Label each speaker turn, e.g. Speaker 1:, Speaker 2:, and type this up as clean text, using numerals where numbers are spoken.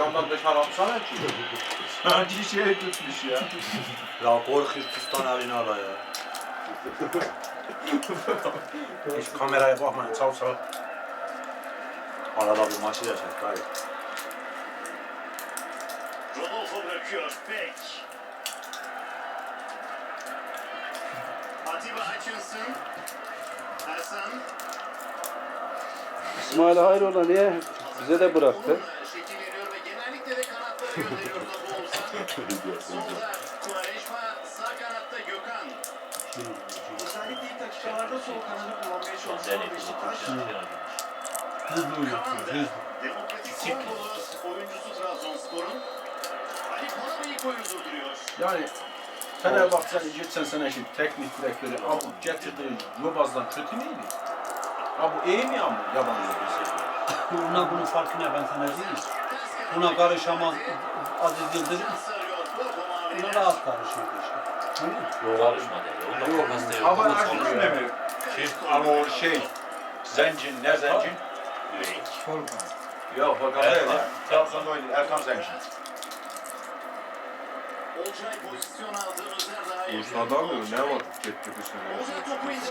Speaker 1: camdan dışarı atsana ki.
Speaker 2: Sanki şey tutmuş ya.
Speaker 3: Ya korkuyor Türkistan haline ala ya.
Speaker 2: Hiç kameraya bakmayın sağ sağ.
Speaker 3: Arada bir maçı yaşadık dayı.
Speaker 4: Rodolfo bırakıyor. Beck. Atiba Hutchinson. Hasan.
Speaker 5: İsmail hayrola niye bize de bıraktı?
Speaker 4: Şekil veriyor ve genellikle de kanatlara gönderiyor topu Oğuzhan. Solda Quaresma, sağ kanatta Gökhan.
Speaker 6: Özellikle ilk dakikalarda sol kanadı kullanmaya çalışan Beşiktaş.
Speaker 4: Kavan'da Demokratik Kongolos oyuncusu Trabzonspor'un. Ali Palabey'i koyu durduruyor.
Speaker 2: Yani Fenerbahçe'nin geçen seneki teknik direktörü Abu getirdiği Yobaz'dan kötü müydü? Abu iyi mi ama yabancı bir şey?
Speaker 7: Buna bunun farkı ne ben sana diyeyim. Buna karışamaz Aziz Yıldırım. Buna rahat karışıyor işte.
Speaker 3: Karışma dedi. Onda kafası yok.
Speaker 1: Hava açmış ne mi? Ama o Zencin, ne Zencin? Yok, Volkan değil ya. Trabzon'da oynuyor, Erkan Zencin.
Speaker 4: Olcay pozisyon aldı. Özer daha iyi.
Speaker 1: Uluslar'da mı? Ne var? Gitti bir sene.
Speaker 4: Ozan topu